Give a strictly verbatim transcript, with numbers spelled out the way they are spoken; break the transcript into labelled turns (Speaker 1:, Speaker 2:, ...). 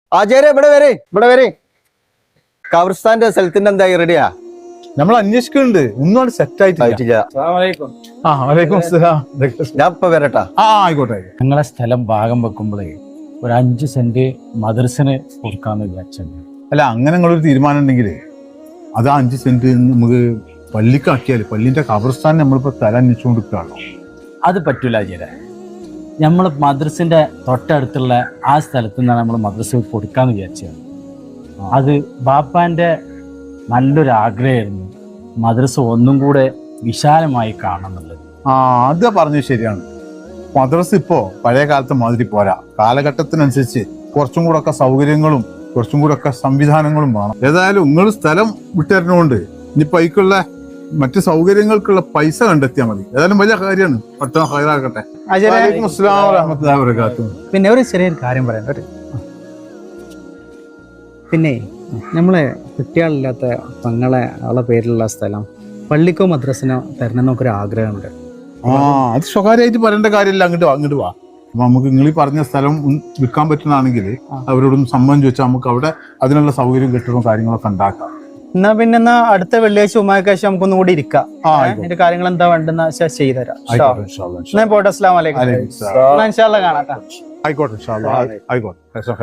Speaker 1: ആചാര്യ ഇവിടെ വരെ ഇവിടെ വരെ ഖബർസ്ഥാന്റെ സ്ഥലത്തിന്റെ എന്തായി റെഡിയാ?
Speaker 2: നമ്മൾ അന്വേഷിക്കുന്നുണ്ട്, ഒന്നും സെറ്റ് ആയിട്ടില്ല. ആ വലൈക്കും അസ്സലാം.
Speaker 1: ഞാൻ ഇപ്പൊ വരട്ടാ.
Speaker 2: ആ ആയിക്കോട്ടെ.
Speaker 3: ഞങ്ങളെ സ്ഥലം ഭാഗം വെക്കുമ്പോഴേ ഒരു അഞ്ച് സെന്റ് മദ്രസിന് കൊടുക്കാന്ന് വിചാരിച്ചത്.
Speaker 2: അല്ല, അങ്ങനെ നിങ്ങളൊരു തീരുമാനം ഉണ്ടെങ്കിൽ അത് ആ അഞ്ച് സെന്റ് നമുക്ക് പള്ളിക്കാക്കിയാൽ പള്ളിന്റെ ഖബർസ്ഥാൻ നമ്മളിപ്പോ സ്ഥലം അന്വേഷിച്ചുകൊണ്ടിരിക്കുകയാണോ?
Speaker 3: അത് പറ്റൂല ആചാര്യ. നമ്മൾ മദ്രസിന്റെ തൊട്ടടുത്തുള്ള ആ സ്ഥലത്ത് നിന്നാണ് നമ്മൾ മദ്രസ കൊടുക്കാന്ന് വിചാരിച്ചത്. അത് ബാപ്പാന്റെ നല്ലൊരു ആഗ്രഹമായിരുന്നു മദ്രസ ഒന്നും കൂടെ വിശാലമായി കാണുന്നുള്ളത്.
Speaker 2: ആ അത് പറഞ്ഞത് ശരിയാണ്. മദ്രസ ഇപ്പോ പഴയ കാലത്തെ മാതിരി പോരാ. കാലഘട്ടത്തിനനുസരിച്ച് കുറച്ചും കൂടെ ഒക്കെ സൗകര്യങ്ങളും കുറച്ചും കൂടെ ഒക്കെ സംവിധാനങ്ങളും വേണം. ഏതായാലും നിങ്ങൾ സ്ഥലം വിട്ടുതരുന്നതുകൊണ്ട് ഇനിയിപ്പോ അതിക്കുള്ള മറ്റു സൗകര്യങ്ങൾക്കുള്ള പൈസ കണ്ടെത്തിയാൽ മതി. ഏതായാലും വലിയ കാര്യമാണ്. പട്ടണം ഹൈറാക്കട്ടെ. വലൈക്കും അസ്സലാം വറഹ്മത്തുള്ളാഹി വബറകാതുഹു.
Speaker 4: പിന്നെ ഒരു ചെറിയൊരു കാര്യം പറയാൻ ഒരു പിന്നെ നമ്മളെ കുട്ടികളില്ലാത്ത തങ്ങളെ ആളെ പേരിലുള്ള സ്ഥലം പള്ളിക്കോ മദ്രസിനോ തരണം എന്നൊക്കെ ആഗ്രഹമുണ്ട്.
Speaker 2: ആ അത് സ്വകാര്യമായിട്ട് പറയേണ്ട കാര്യമില്ല. അങ്ങോട്ട് അങ്ങോട്ട് വാ. അപ്പൊ നമുക്ക് നിങ്ങൾ ഈ പറഞ്ഞ സ്ഥലം വിൽക്കാൻ പറ്റുന്നതാണെങ്കിൽ അവരോടൊന്ന് സമ്മതം ചോദിച്ചാൽ നമുക്ക് അവിടെ അതിനുള്ള സൗകര്യം കെട്ടിടവും കാര്യങ്ങളൊക്കെ ഉണ്ടാക്കാം.
Speaker 4: എന്നാ പിന്നെ എന്നാ അടുത്ത വെള്ളിയാഴ്ച ഉമ്മാക്കാഴ്ച നമുക്കൊന്നും കൂടി ഇരിക്കാം. അതിന്റെ കാര്യങ്ങൾ എന്താ വേണ്ടെന്ന് വെച്ചാൽ ചെയ്തുതരാം. പോട്ടെ. അസ്സലാമു അലൈക്കും. ഇൻഷാ അല്ലാഹ് കാണാം.
Speaker 2: ആയിക്കോട്ടെ. ആയിക്കോട്ടെ.